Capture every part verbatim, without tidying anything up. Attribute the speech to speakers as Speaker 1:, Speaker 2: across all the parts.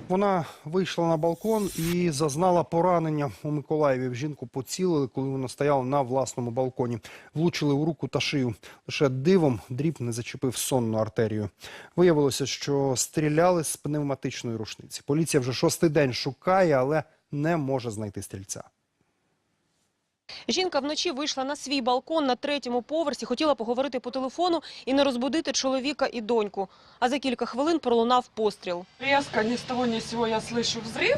Speaker 1: Вона вийшла на балкон і зазнала поранення у Миколаєві. В жінку поцілили, коли вона стояла на власному балконі. Влучили у руку та шию. Лише дивом дріб не зачепив сонну артерію. Виявилося, що стріляли з пневматичної рушниці. Поліція вже шостий день шукає, але не може знайти стрільця.
Speaker 2: Жінка вночі вийшла на свій балкон на третьому поверсі, хотіла поговорити по телефону і не розбудити чоловіка і доньку. А за кілька хвилин пролунав постріл.
Speaker 3: Резко, ни с того ни с сего я слышу взрыв.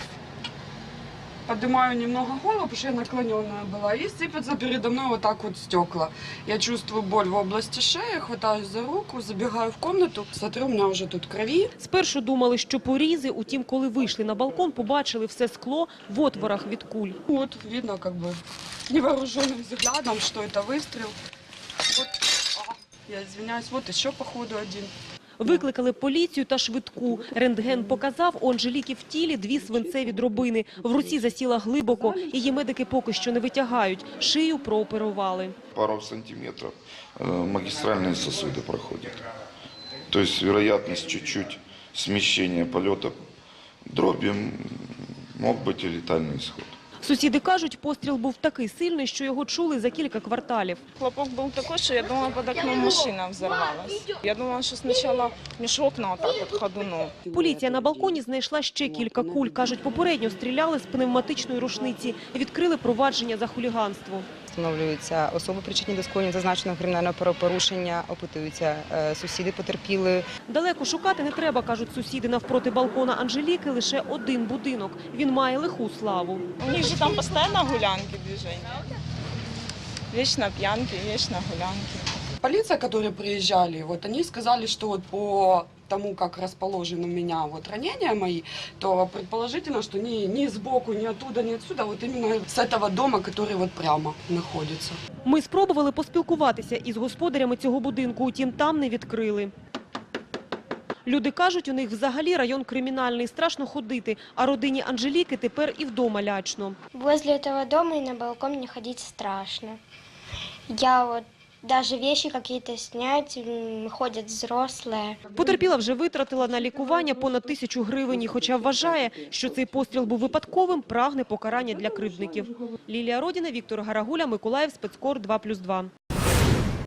Speaker 3: Поднимаю немного голову, потому что я наклоненная была, и сыпятся передо мной вот так вот стекла. Я чувствую боль в области шеи, хватаюсь за руку, забегаю в комнату, смотрю, у меня уже тут крови.
Speaker 2: Спершу думали, що порізи, утім, коли вийшли на балкон, побачили все скло в отворах від куль.
Speaker 3: Вот видно как бы невооруженным взглядом, что это выстрел. Вот, а, я извиняюсь, вот еще походу один.
Speaker 2: Викликали поліцію та швидку. Рентген показав, у Анжеліки в тілі дві свинцеві дробини. В руці засіла глибоко, її медики поки що не витягають. Шию прооперували.
Speaker 4: Пару сантиметров магистральные сосуды проходят. То есть вероятность чуть-чуть смещения полета дроби мог быть и летальный исход.
Speaker 2: Сусіди кажуть, постріл був такий сильний, що його чули за кілька кварталів.
Speaker 5: Хлопок был такой, что я думала, под окном машина взорвалась. Я думала, что сначала меж окна вот так вот ходуном.
Speaker 2: Поліція на балконі знайшла ще кілька куль. Кажуть, попередньо стріляли з пневматичної рушниці. Відкрили провадження за хуліганство.
Speaker 6: Встановлюються особи, причетні до скоєння зазначеного кримінального правопорушення, опитуються сусіди потерпілої.
Speaker 2: Далеко шукати не треба, кажуть сусіди. Навпроти балкона Анжеліки лише один будинок. Він має лиху славу.
Speaker 5: У них же там постоянно гулянки движения. Вечно пьянки, вечно гулянки.
Speaker 3: Полиция, которые приезжали, вот они сказали, что вот по тому, как расположены у меня вот ранения мои, то предположительно, что ни, ни сбоку, ни оттуда, ни отсюда, вот именно с этого дома, который вот прямо находится.
Speaker 2: Ми спробували поспілкуватися із господарями цього будинку, утім там не відкрили. Люди кажуть, у них взагалі район кримінальний, страшно ходити, а родині Анжеліки тепер і вдома лячно.
Speaker 7: Возле этого дома и на балкон мне ходить страшно. Я вот даже вещи какие-то снять, м, ходят взрослые.
Speaker 2: Потерпіла вже витратила на лікування понад тисячу гривень, і хоча вважає, що цей постріл був випадковим, прагне покарання для кривдників. Лілія Родіна, Віктор Гарагуля, Миколаїв, Спецкор два плюс два.